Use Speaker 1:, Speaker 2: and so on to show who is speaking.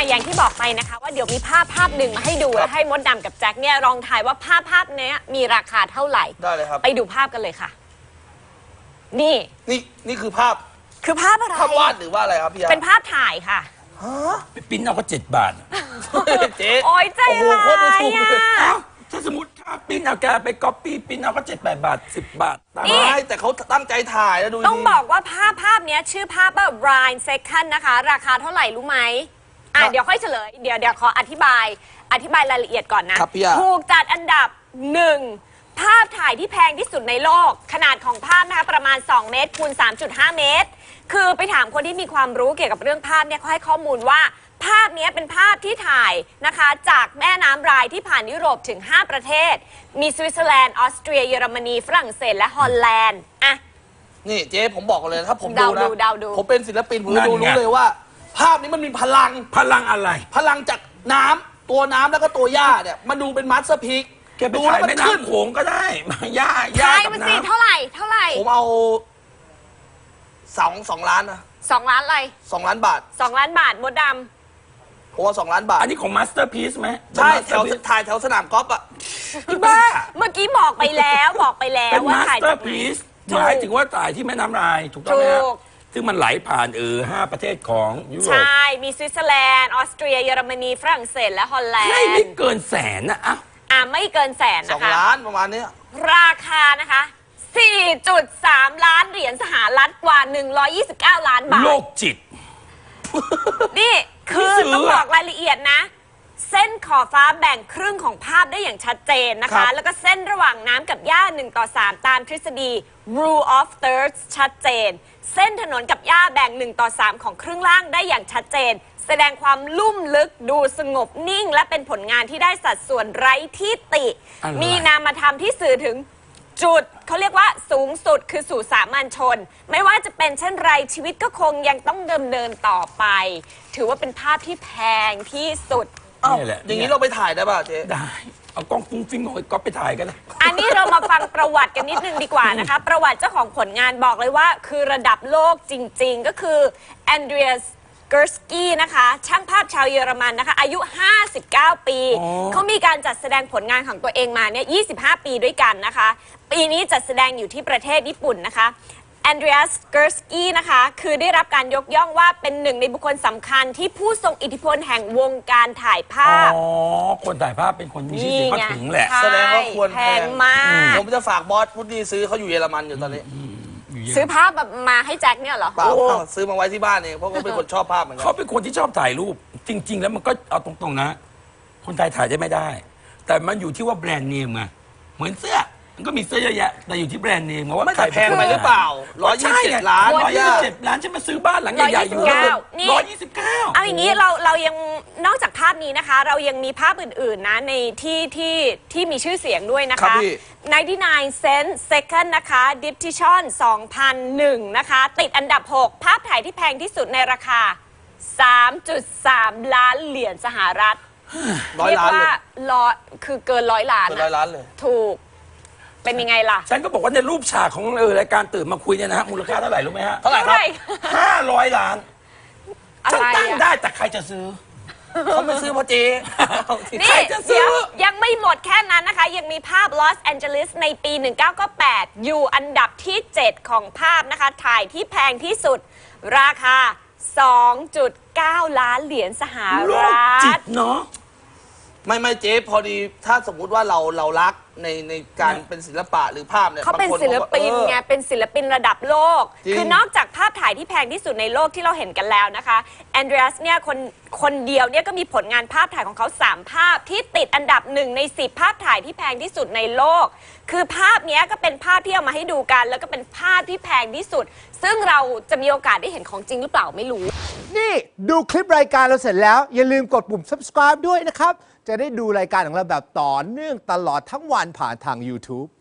Speaker 1: อย่างที่บอกไปนะคะว่าเดี๋ยวมีภาพหนึ่งมาให้ดูแล้วให้มดดำกับแจ็คเนี่ยลองทายว่าภาพนี้มีราคาเท่าไหร่
Speaker 2: ได้เลยครับ
Speaker 1: ไปดูภาพกันเลยค่ะ
Speaker 2: นี่คือภาพ
Speaker 1: อะไร
Speaker 2: ภาพวาดหรือว่าอะไรครับพี่
Speaker 1: เป็นภาพถ่ายค่ะ
Speaker 3: ไปปิ้นเอาก็7 บาท
Speaker 2: เจ๊
Speaker 1: โอ้ยใจร้ายอ่ะ
Speaker 3: ถ้าสมมติค่าปิ้นเอาแกไปก๊อปปี้ปิ้นเอาก็7-8 บาท10 บาท
Speaker 2: ไม่แต่เขาตั้งใจถ่ายแล้วดู
Speaker 1: ต้องบอกว่าภาพนี้ชื่อภาพว่า Rhine Second นะคะราคาเท่าไหร่รู้ไหมเดี๋ยวค่อยเฉลยเดี๋ยวขออธิบายรายละเอียดก่อนนะถูกจัดอันดับ1ภาพถ่ายที่แพงที่สุดในโลกขนาดของภาพนะคะประมาณ2 เมตรคูณ 3.5 เมตรคือไปถามคนที่มีความรู้เกี่ยวกับเรื่องภาพเนี่ยเขาให้ข้อมูลว่าภาพนี้เป็นภาพที่ถ่ายนะคะจากแม่น้ำไรน์ที่ผ่านยุโรปถึง5 ประเทศมีสวิตเซอร์แลนด์ออสเตรียเยอรมนีฝรั่งเศสและฮอลแลนด์
Speaker 2: นี่เจ๊ผมบอกเลยถ้าผมดูนะผมเป็นศิลปินผมรู้เลยว่าภาพนี้มันมีพลัง
Speaker 3: อะไร
Speaker 2: พลังจากน้ำตัวน้ำแล้วก็ตัวหญ้าเนี่ยมันดูเป็นมัสเตอร์พีซ
Speaker 3: ดูแล้วมันขึ้นโขงก็ได้หญ้า
Speaker 1: กับน้ำเท่าไหร่
Speaker 2: ผมเอา2 ล้านนะ
Speaker 1: 2 ล้านอะไร
Speaker 2: 2 ล้านบาท
Speaker 1: 2 ล้านบาทมดดำ
Speaker 2: ผมเอา2 ล้านบาท
Speaker 3: อันนี้ของมาสเตอร์พีซไหม
Speaker 2: ใช่ถ่ายแถวสนามกอล์ฟอ่ะ
Speaker 3: บ้า
Speaker 1: เมื่อกี้บอกไปแล้ว
Speaker 3: ว่าถ่ายจากพีซหมายถึงว่าถ่ายที่แม่น้ำไรน์ถูกต้องไหมซึ่งมันไหลผ่าน5 ประเทศของยุโรป
Speaker 1: ใช่มีสวิตเซอร์แลนด์ออสเตรียเยอรมนีฝรั่งเศสและฮอลแลนด์
Speaker 3: ไม่เกิน100,000นะ
Speaker 1: ไม่เกิน100,000นะคะ
Speaker 2: 2 ล้านประมาณนี้
Speaker 1: ราคานะคะ 4.3 ล้านเหรียญสหรัฐกว่า129 ล้านบาท
Speaker 3: โลกจิต
Speaker 1: นี่คือต้องบอกรายละเอียดนะเส้นขอบฟ้าแบ่งครึ่งของภาพได้อย่างชัดเจนนะคะแล้วก็เส้นระหว่างน้ำกับหญ้า1:3ตามทฤษฎี rule of thirds ชัดเจนเส้นถนนกับหญ้าแบ่ง1:3ของครึ่งล่างได้อย่างชัดเจนแสดงความลุ่มลึกดูสงบนิ่งและเป็นผลงานที่ได้สัดส่วนไร้ที่ติมีนามธรรมที่สื่อถึงจุดเขาเรียกว่าสูงสุดคือสู่สามัญชนไม่ว่าจะเป็นเช่นไรชีวิตก็คงยังต้องเดินต่อไปถือว่าเป็นภาพที่แพงที่สุด
Speaker 2: อย่างนี้เราไปถ่ายได้ป่ะเจ๊
Speaker 3: ได้เอากล้องฟุ้งฟิ้งเอาก็ไปถ่ายกัน
Speaker 1: อันนี้เรามาฟังประวัติกันนิดนึงดีกว่านะคะประวัติเจ้าของผลงานบอกเลยว่าคือระดับโลกจริงๆก็คือแอนเดรียสเกอร์สกี้นะคะช่างภาพชาวเยอรมันนะคะอายุ59 ปีเขามีการจัดแสดงผลงานของตัวเองมาเนี่ย25 ปีด้วยกันนะคะปีนี้จัดแสดงอยู่ที่ประเทศญี่ปุ่นนะคะแอนเดรียสเกอร์สกี้นะคะคือได้รับการยกย่องว่าเป็นหนึ่งในบุคคลสำคัญที่ผู้ทรงอิทธิพลแห่งวงการถ่ายภาพ
Speaker 3: คนถ่ายภาพเป็นคนมีชื่อเสียงก็ถึงแหละ
Speaker 2: แสดงว่าควร
Speaker 1: แพงมาก
Speaker 2: ผมจะฝากบอสพุทธีซื้อเขาอยู่เยอรมันอยู่ตอนนี้
Speaker 1: ซื้อภาพแบบมาให้แจ็คเนี่ยเหรอ
Speaker 2: ซื้อมาไว้ที่บ้านเองเพราะเขาเป็นคนชอบภาพเหมือนกัน
Speaker 3: เขาเป็นคนที่ชอบถ่ายรูปจริงๆแล้วมันก็เอาตรงๆนะคนไทยถ่ายได้ไม่ได้แต่มันอยู่ที่ว่าแบรนด์เนมไงเหมือนเสื้อมันก็มีเสื้อเยอะแยะแต่อยู่ที่แบรนด์เนมว่า
Speaker 2: ไม่แพงไปหรือเปล่า127 ล้าน
Speaker 3: 127 ล้านฉันมาซื้อบ้านหลังใหญ่ๆอยู่129
Speaker 1: เอาอย่างนี้เรายังนอกจากภาพนี้นะคะเรายังมีภาพอื่นๆนะในที่มีชื่อเสียงด้วยนะคะ99 Cent Second นะคะ Diptychon 2001นะคะติดอันดับ6ภาพถ่ายที่แพงที่สุดในราคา 3.3 ล้านเหรียญสหรัฐ
Speaker 2: เรียกว่า
Speaker 1: คือเกิน100 ล้าน
Speaker 2: เลย
Speaker 1: ถูกเป็นยังไงล่ะ
Speaker 3: ฉันก็บอกว่าในรูปฉากของรายการตื่นมาคุยเนี่ยนะฮะมูลค่าเท่าไหร่รู้ไหมฮะ
Speaker 2: เท่าไหร่ครับ
Speaker 3: 500 ล้านฉันตั้งได้แต่ใครจะซื้อ
Speaker 2: เขาไม่ซื้อพอเจ๊
Speaker 1: นี่เดี๋ยวยังไม่หมดแค่นั้นนะคะยังมีภาพลอสแอนเจลิสในปี1998อยู่อันดับที่7ของภาพนะคะถ่ายที่แพงที่สุดราคา 2.9 ล้านเหรียญสหรัฐ
Speaker 3: จิตเนาะ
Speaker 2: ไม่เจ๊พอดีถ้าสมมุติว่าเรารักในการเป็นศิลปะหรือภาพเนี่ย
Speaker 1: เขาเป็นศิลปินไงเป็นศิลปินระดับโลกคือนอกจากภาพถ่ายที่แพงที่สุดในโลกที่เราเห็นกันแล้วนะคะแอนเดรียสเนี่ยคนเดียวเนี่ยก็มีผลงานภาพถ่ายของเขา3ภาพที่ติดอันดับ1 ใน 10ภาพถ่ายที่แพงที่สุดในโลกคือภาพนี้ก็เป็นภาพที่เอามาให้ดูกันแล้วก็เป็นภาพที่แพงที่สุดซึ่งเราจะมีโอกาสได้เห็นของจริงหรือเปล่าไม่รู้
Speaker 4: นี่ดูคลิปรายการเราเสร็จแล้วอย่าลืมกดปุ่ม subscribe ด้วยนะครับจะได้ดูรายการของเราแบบต่อเนื่องตลอดทั้งวันผ่านทาง YouTube